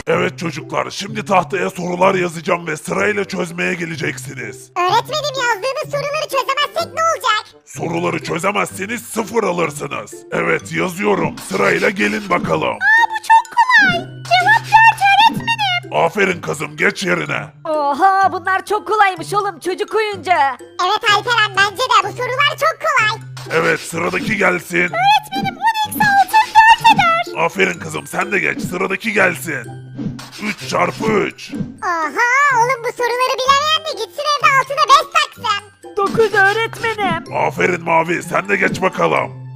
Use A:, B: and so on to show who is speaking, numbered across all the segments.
A: Evet çocuklar, şimdi tahtaya sorular yazacağım ve sırayla çözmeye geleceksiniz.
B: Öğretmenim yazdığınız soruları çözemezsek ne olacak?
A: Soruları çözemezseniz 0 alırsınız. Evet yazıyorum, sırayla gelin bakalım.
B: Bu çok kolay. Cevap 4 öğretmenim.
A: Aferin kızım, geç yerine.
C: Oha bunlar çok kolaymış oğlum çocuk oyuncağı.
B: Evet Alperen bence de bu sorular çok kolay.
A: Evet, sıradaki gelsin.
B: Öğretmenim 10 eksi 6 4 eder.
A: Aferin kızım, sen de geç, sıradaki gelsin. 3 çarpı 3.
B: Oha oğlum bu soruları bilemeyen de gitsin evde altına 5 taksın.
C: 9 öğretmenim.
A: Aferin Mavi, sen de geç bakalım.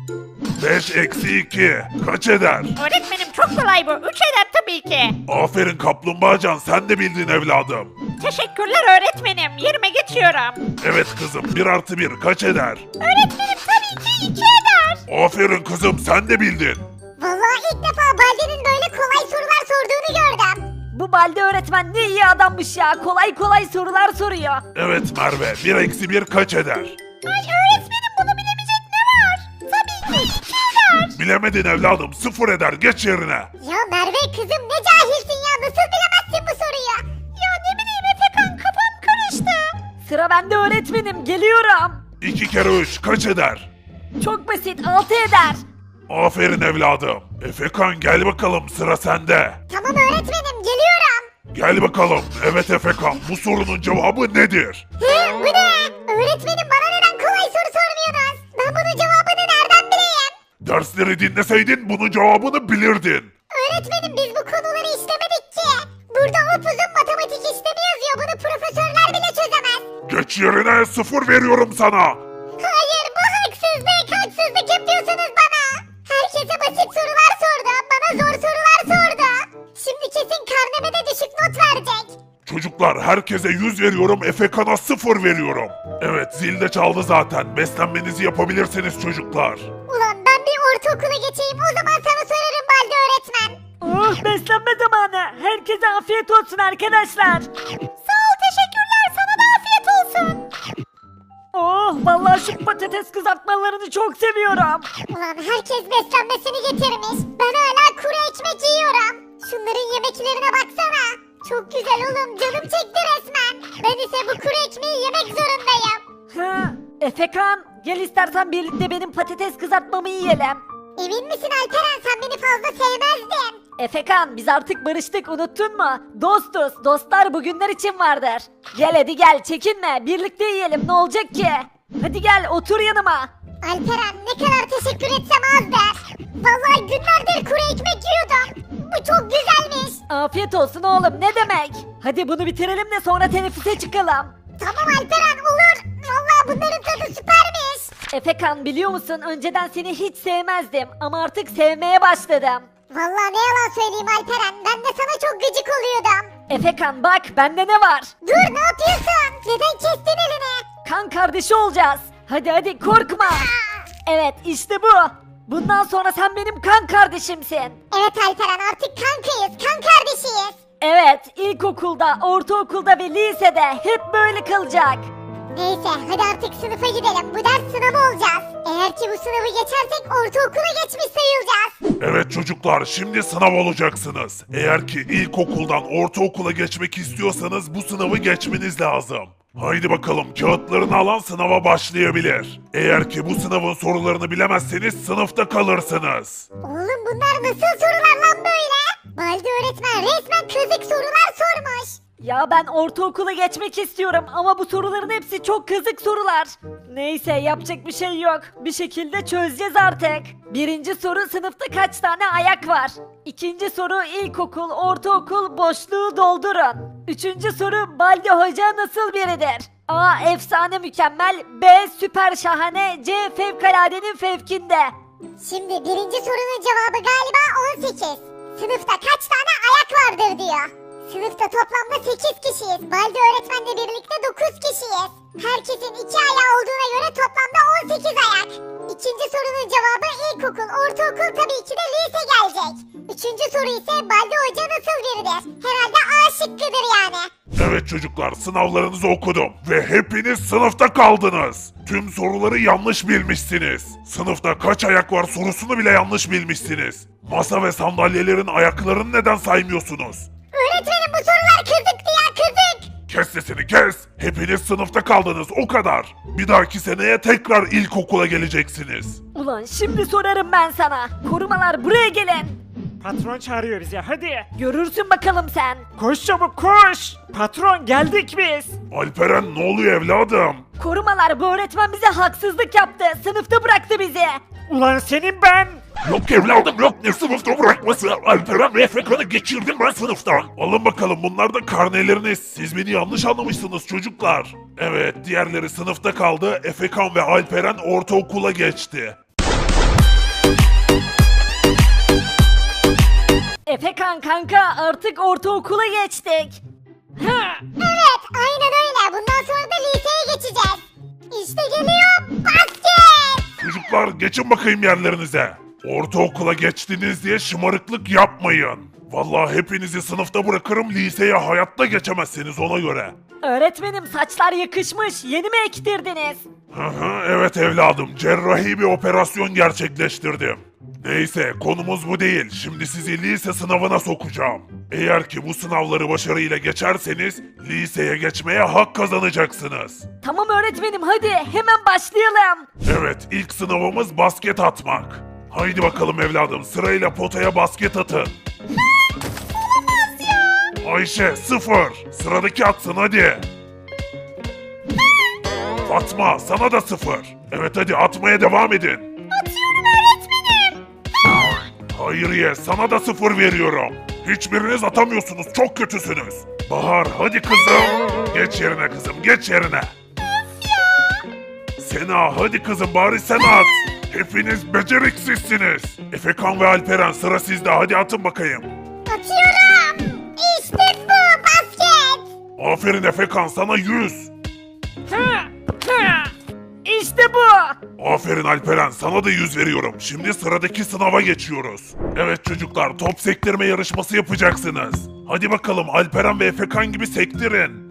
A: 5 eksi 2 kaç eder?
D: Öğretmenim çok kolay bu. 3 eder tabii ki.
A: Aferin Kaplumbağacan, sen de bildin evladım.
D: Teşekkürler öğretmenim. Yerime geçiyorum.
A: Evet kızım, 1 artı 1 kaç eder?
B: Öğretmenim tabii ki 2 eder.
A: Aferin kızım, sen de bildin.
B: Vallahi ilk defa Baldi'nin böyle kolay sorular sorduğunu gördüm.
C: Bu Balde öğretmen ne iyi adammış ya. Kolay kolay sorular soruyor.
A: Evet Merve, 1 eksi 1 kaç eder?
B: Ay öğretmenim bunu bilemeyecek ne var? Tabii ki 2 eder.
A: Bilemedin evladım, 0 eder, geç yerine.
B: Ya Merve kızım ne cahilsin ya nasıl bilemezsin bu soruyu? Ya ne bileyim Efekan kafam karıştı.
C: Sıra bende öğretmenim geliyorum.
A: 2 kere 3 kaç eder?
C: Çok basit 6 eder.
A: Aferin evladım. Efekan gel bakalım, sıra sende.
B: Tamam öğretmenim geliyorum.
A: Gel bakalım. Evet Efekan, bu sorunun cevabı nedir?
B: Hı, bu ne? Öğretmenim bana neden kolay soru sormuyorsunuz? Ben bunun cevabını nereden bileyim?
A: Dersleri dinleseydin bunun cevabını bilirdin.
B: Öğretmenim biz bu konuları işlemedik ki. Burada upuzun matematik işlemi yazıyor. Bunu profesörler bile çözemez.
A: Geç yerine, 0 veriyorum sana.
B: Hayır bu haksızlık. Haksızlık yapıyorsunuz bana. Herkese basit sorular sordu. Bana zor sorular sordu. Şimdi kesin karneme de düşük not verecek.
A: Çocuklar, herkese 100 veriyorum, Efekan'a 0 veriyorum. Evet, zil de çaldı zaten. Beslenmenizi yapabilirsiniz çocuklar.
B: Ulan ben bir ortaokula geçeyim. O zaman sana sorarım Balde öğretmen.
C: Oh beslenme zamanı. Herkese afiyet olsun arkadaşlar.
B: Sağ ol teşekkürler. Sana da afiyet olsun.
C: Oh vallahi şu patates kızartmalarını çok seviyorum.
B: Ulan herkes beslenmesini getirmiş. Ben hala kuru ekmek yiyorum. Şunların yemeklerine baksana. Çok güzel oğlum canım çekti resmen. Ben ise bu kuru ekmeği yemek zorundayım.
C: Ha, Efekan gel istersen birlikte benim patates kızartmamı yiyelim.
B: Emin misin Alperen sen beni fazla sevmezdin.
C: Efekan biz artık barıştık unuttun mu? Dostuz dostlar bugünler için vardır. Gel hadi gel çekinme birlikte yiyelim ne olacak ki? Hadi gel otur yanıma.
B: Alperen ne kadar teşekkür etsem azdır. Vallahi günlerdir kuru ekmek yiyordum. Bu çok güzelmiş.
C: Afiyet olsun oğlum ne demek? Hadi bunu bitirelim de sonra teneffüse çıkalım.
B: Tamam Alperen olur. Vallahi bunların tadı süpermiş.
C: Efekan biliyor musun önceden seni hiç sevmezdim ama artık sevmeye başladım.
B: Vallahi ne yalan söyleyeyim Alperen. Ben de sana çok gıcık oluyordum.
C: Efekan bak bende ne var?
B: Dur ne yapıyorsun? Neden kestin elini?
C: Kan kardeşi olacağız. Hadi korkma. Evet işte bu. Bundan sonra sen benim kan kardeşimsin.
B: Evet Alperen artık kankayız. Kan kardeşiyiz.
C: Evet ilkokulda, ortaokulda ve lisede hep böyle kalacak.
B: Neyse hadi artık sınıfa gidelim. Bu ders sınavı olacağız. Eğer ki bu sınavı geçersek ortaokula geçmiş sayılacağız.
A: Evet çocuklar, şimdi sınav olacaksınız. Eğer ki ilkokuldan ortaokula geçmek istiyorsanız bu sınavı geçmeniz lazım. Haydi bakalım, kağıtlarını alan sınava başlayabilir. Eğer ki bu sınavın sorularını bilemezseniz sınıfta kalırsınız.
B: Oğlum bunlar nasıl sorular lan böyle? Baldi öğretmen resmen kazık sorular sormuş.
C: Ya ben ortaokula geçmek istiyorum ama bu soruların hepsi çok kızık sorular. Neyse yapacak bir şey yok. Bir şekilde çözeceğiz artık. Birinci soru sınıfta kaç tane ayak var? İkinci soru ilkokul, ortaokul boşluğu doldurun. Üçüncü soru Baldi Hoca nasıl biridir? A. Efsane mükemmel. B. Süper şahane. C. Fevkaladenin fevkinde.
B: Şimdi birinci sorunun cevabı galiba 18. Sınıfta kaç tane ayak vardır diyor. Sınıfta toplamda 8 kişiyiz. Baldi öğretmenle birlikte 9 kişiyiz. Herkesin 2 ayağı olduğuna göre toplamda 18 ayak. İkinci sorunun cevabı ilkokul, ortaokul tabii ki de lise gelecek. Üçüncü soru ise Baldi Hoca nasıl biridir? Herhalde A şıkkıdır yani.
A: Evet çocuklar, sınavlarınızı okudum ve hepiniz sınıfta kaldınız. Tüm soruları yanlış bilmişsiniz. Sınıfta kaç ayak var sorusunu bile yanlış bilmişsiniz. Masa ve sandalyelerin ayaklarını neden saymıyorsunuz?
B: Öğretmenim bu sorular kızıktı ya kızık.
A: Kes sesini kes. Hepiniz sınıfta kaldınız o kadar. Bir dahaki seneye tekrar ilkokula geleceksiniz.
C: Ulan şimdi sorarım ben sana. Korumalar buraya gelin.
E: Patron çağırıyor bizi hadi.
C: Görürsün bakalım sen.
E: Koş çabuk koş. Patron geldik biz.
A: Alperen ne oluyor evladım?
C: Korumalar bu öğretmen bize haksızlık yaptı. Sınıfta bıraktı bizi.
E: Ulan senin ben.
A: Yok evladım yok ne sınıfta bırakması. Alperen ve Efekan'ı geçirdim ben sınıftan. Alın bakalım bunlar da karneleriniz. Siz beni yanlış anlamışsınız çocuklar. Evet diğerleri sınıfta kaldı. Efekan ve Alperen ortaokula geçti.
C: Efekan kanka artık ortaokula geçtik.
B: Evet aynen öyle. Bundan sonra da liseye geçeceğiz. İşte geliyor basket.
A: Çocuklar geçin bakayım yerlerinize. Ortaokula geçtiniz diye şımarıklık yapmayın. Vallahi hepinizi sınıfta bırakırım liseye hayatta geçemezsiniz ona göre.
C: Öğretmenim saçlar yakışmış. Yeni mi ektirdiniz?
A: Hı hı, evet evladım cerrahi bir operasyon gerçekleştirdim. Neyse konumuz bu değil. Şimdi sizi lise sınavına sokacağım. Eğer ki bu sınavları başarıyla geçerseniz liseye geçmeye hak kazanacaksınız.
C: Tamam öğretmenim hadi hemen başlayalım.
A: Evet ilk sınavımız basket atmak. Haydi bakalım evladım sırayla potaya basket atın. Ayşe 0. Sıradaki atsın hadi. Fatma sana da 0. Evet hadi atmaya devam edin.
B: Atıyorum öğretmenim.
A: Hayriye sana da 0 veriyorum. Hiçbiriniz atamıyorsunuz çok kötüsünüz. Bahar hadi kızım. Geç yerine kızım geç yerine. Sena hadi kızım bari sen at. Hepiniz beceriksizsiniz. Efekan ve Alperen sıra sizde hadi atın bakayım.
B: Atıyorum. İşte bu basket.
A: Aferin Efekan sana 100.
C: İşte bu.
A: Aferin Alperen sana da 100 veriyorum. Şimdi sıradaki sınava geçiyoruz. Evet çocuklar top sektirme yarışması yapacaksınız. Hadi bakalım Alperen ve Efekan gibi sektirin.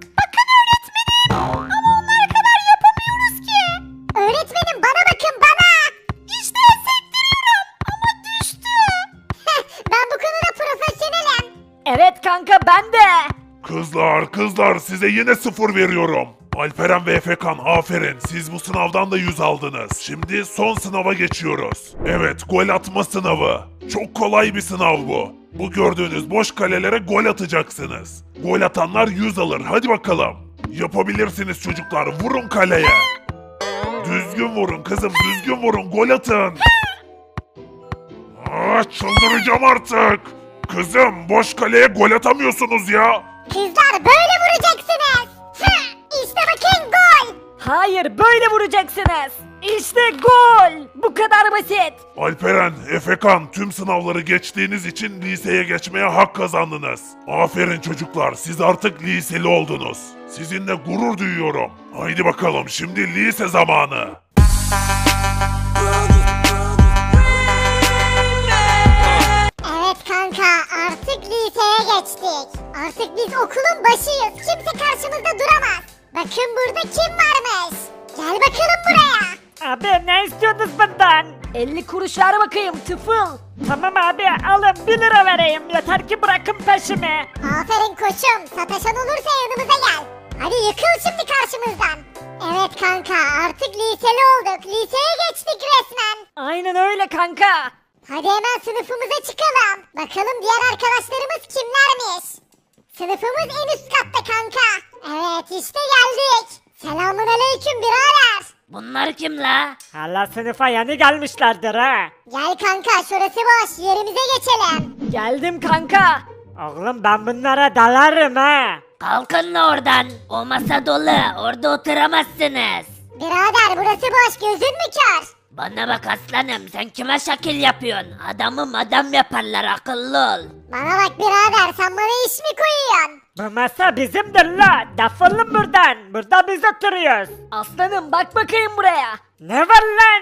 B: Öğretmenim bana bakın bana. İşte sektiriyorum ama düştü. Ben bu konuda profesyonelim.
C: Evet kanka ben de.
A: Kızlar size yine 0 veriyorum. Alperen ve Efekan aferin siz bu sınavdan da 100 aldınız. Şimdi son sınava geçiyoruz. Evet gol atma sınavı. Çok kolay bir sınav bu. Bu gördüğünüz boş kalelere gol atacaksınız. Gol atanlar 100 alır hadi bakalım. Yapabilirsiniz çocuklar vurun kaleye. Düzgün vurun kızım düzgün vurun gol atın. Çıldıracağım artık. Kızım boş kaleye gol atamıyorsunuz ya.
B: Kızlar böyle vuracaksınız. İşte bakın gol.
C: Hayır böyle vuracaksınız. İşte gol. Bu kadar basit.
A: Alperen, Efekan tüm sınavları geçtiğiniz için liseye geçmeye hak kazandınız. Aferin çocuklar siz artık liseli oldunuz. Sizinle gurur duyuyorum. Haydi bakalım şimdi lise zamanı.
B: Evet kanka artık liseye geçtik. Artık biz okulun başıyız. Kimse karşımızda duramaz. Bakın burada kim varmış. Gel bakalım buraya.
E: Abi ne istiyorsunuz benden?
C: 50 kuruş ver bakayım tıfıl.
E: Tamam abi alın 1 lira vereyim yeter ki bırakın peşimi.
B: Aferin koçum. Sataşan olursa yanımıza gel. Hadi yıkıl şimdi karşımızdan. Evet kanka artık liseli olduk. Liseye geçtik resmen.
C: Aynen öyle kanka.
B: Hadi hemen sınıfımıza çıkalım. Bakalım diğer arkadaşlarımız kimlermiş. Sınıfımız en üst katta kanka. Evet işte geldik. Selamun aleyküm birader.
C: Bunlar kim la?
E: Hala sınıfa yeni gelmişlerdir ha.
B: Gel kanka şurası boş yerimize geçelim.
C: Geldim kanka.
E: Oğlum ben bunlara dalarım ha.
F: Kalkın la oradan. O masa dolu. Orada oturamazsınız.
B: Birader burası boş gözün mü kör?
F: Bana bak aslanım. Sen kime şekil yapıyorsun? Adamım adam yaparlar. Akıllı ol.
B: Bana bak birader sen bana iş mi koyuyorsun?
E: Bu masa bizimdir la. Defolun buradan. Burada biz oturuyoruz.
C: Aslanım bak bakayım buraya.
E: Ne var lan?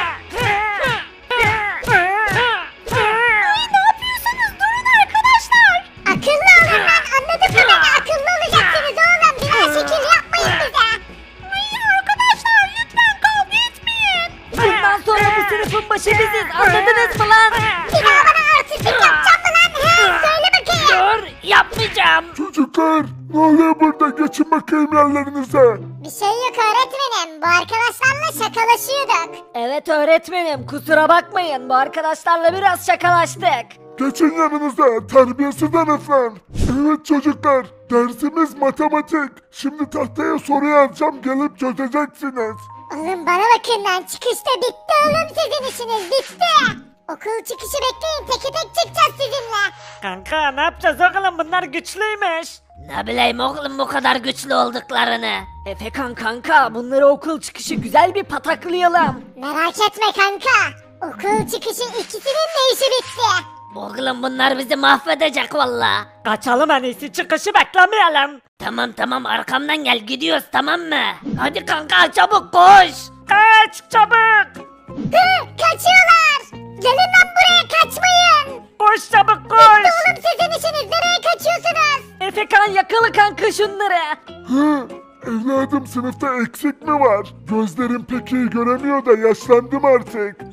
B: Ne yapıyorsunuz durun arkadaşlar. Akıllı olun lan anladın mı beni? Akıllı olacaksınız oğlum biraz şekil yapmayın bize. Ay arkadaşlar lütfen kavga etmeyin.
C: Bundan sonra bu sınıfın başı biziz anladınız mı lan?
B: Bir daha bana artistlik yapacak mı lan? He söyle bakayım.
F: Dur yapmayacağım.
A: Çocuklar ne oluyor burada? Geçin bakayım yerlerinize.
B: Bir şey yok öğretmenim. Bu arkadaşlarla şakalaşıyorduk.
C: Evet öğretmenim kusura bakmayın bu arkadaşlarla biraz şakalaştık.
A: Geçin yanınıza terbiyesiz herifler. Evet çocuklar dersimiz matematik. Şimdi tahtaya soru yazacağım gelip çözeceksiniz.
B: Oğlum bana bakın lan çıkışta bitti oğlum sizin işiniz bitti. Okul çıkışı bekleyin teke tek çıkacağız sizinle.
E: Kanka ne yapacağız oğlum bunlar güçlüymüş.
F: Ne bileyim oğlum bu kadar güçlü olduklarını.
C: Efekan kanka bunları okul çıkışı güzel bir pataklayalım.
B: Merak etme kanka. Okul çıkışı ikisinin de işi bitti.
F: Oğlum bunlar bizi mahvedecek valla.
E: Kaçalım en iyisi çıkışı beklemeyelim.
F: Tamam arkamdan gel gidiyoruz tamam mı? Hadi kanka çabuk koş.
E: Kaç çabuk.
B: Hı, kaçıyorlar. Gelin lan buraya kaçmayın.
E: Koş çabuk koş.
B: Oğlum sizin işiniz nereye kaçıyorsunuz?
C: Efekan yakala kanka şunları.
A: Hı, evladım sınıfta eksik mi var? Gözlerim pek iyi göremiyor da yaşlandım artık.